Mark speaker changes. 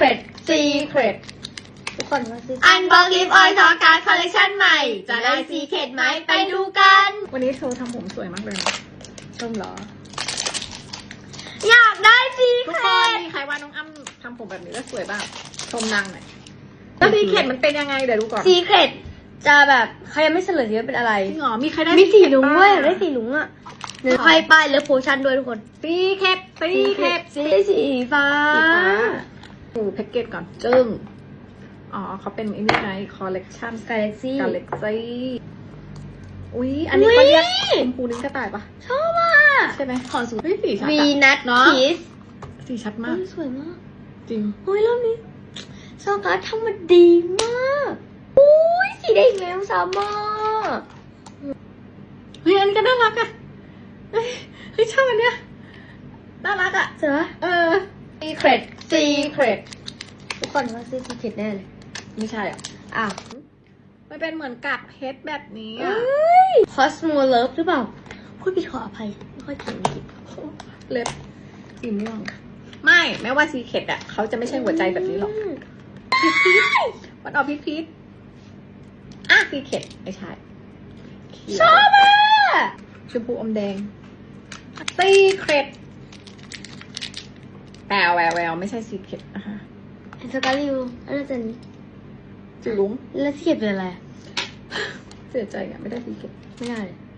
Speaker 1: Secret Secret ทุกคนมาซื้อ
Speaker 2: อันบ็อกลิฟออยล์ทอการ์ดคอลเลคชันใหม่ จะได้ซีเคร็ตไหมไปดูกัน
Speaker 3: วันนี้เธอทำผมสวยมากเลยนะชมเหรอ
Speaker 2: อยากได้ซี
Speaker 3: ทุก
Speaker 2: เค
Speaker 3: ค
Speaker 2: ร็
Speaker 3: น
Speaker 2: ต
Speaker 3: มีใครว่าน้องอ้ำทำผมแบบนี้แล้วสวยบ้างชมนางหน่อยแล้วซีเคร็ตมันเป็นยังไงเดี๋ยวดูก่อน
Speaker 2: ซีเคร็ตจะแบบเขายังไม่เฉลยว่าเป็นอะไร
Speaker 3: จริงเหรอมีใครได้
Speaker 2: มีสีลุงด้วย
Speaker 3: บ้
Speaker 2: อยากได้สีลุงอ่ะเดี๋ยวให้ป้ายเลือกโพชั่นด้วยทุกคน
Speaker 3: ซีเคร็ตซีเคร็ต
Speaker 2: สีฟ้า
Speaker 3: ดูแพ็กเกจก่อนจึ้งอ๋อเขาเป็นไอ้นี่ไงคอลเลกชัน
Speaker 2: Galaxy
Speaker 3: กาเล็กซี่อุ๊ยอันนี้เขาเรียกชมพูนิ้งกระต่ายปะ
Speaker 2: ชอบอ่ะ
Speaker 3: ใช่ไหมขอสูตรสีชัด
Speaker 2: วี
Speaker 3: อะ
Speaker 2: นัท
Speaker 3: เนาะ
Speaker 2: คิส
Speaker 3: สีชัดมาก
Speaker 2: สวยมาก
Speaker 3: จริง
Speaker 2: โอ้ยรอบนี้ซอการ์ดทำมาดีมากอุ้ยสีแดงแล้วสามารถ
Speaker 3: เฮ้ยอันนี้ก็น่ารักอะเฮ้ยชอบอันเนี้ยน่ารักอะ
Speaker 2: เจอ
Speaker 1: Secret Secret
Speaker 2: ทุกคนว่าซื้อซีเคร็ตแน่เลย
Speaker 3: ไม่ใช่อ่ะ
Speaker 2: อ้าว
Speaker 3: มันเป็นเหมือนกากเพชรแบบนี้
Speaker 2: เอ
Speaker 3: อะ
Speaker 2: ้ย Cosmo Love หรือเปล่าพูดผิดขออภัยไม่ค่อยเก่งอังกฤษ
Speaker 3: เล็บสีม่วงไม่แม้ว่าซีเคร็ตอะเขาจะไม่ใช่หัวใจแบบนี้หรอกมันออกพีชอ่ะซีเคร็ตไม่ใช่เขียว
Speaker 2: ชอบอ่ะ
Speaker 3: ชมพูอมแดงซีเคร็ตแววไม่ใช่ซีเคร็ตนะคะ
Speaker 2: เห็นสกาลิวอันนั้นจะนี้
Speaker 3: สีลุง
Speaker 2: แล้วซีเคร็ตเป็นอะไร
Speaker 3: เสียใจอะไม่ได้ซีเคร็ต
Speaker 2: ไม่ได้เลย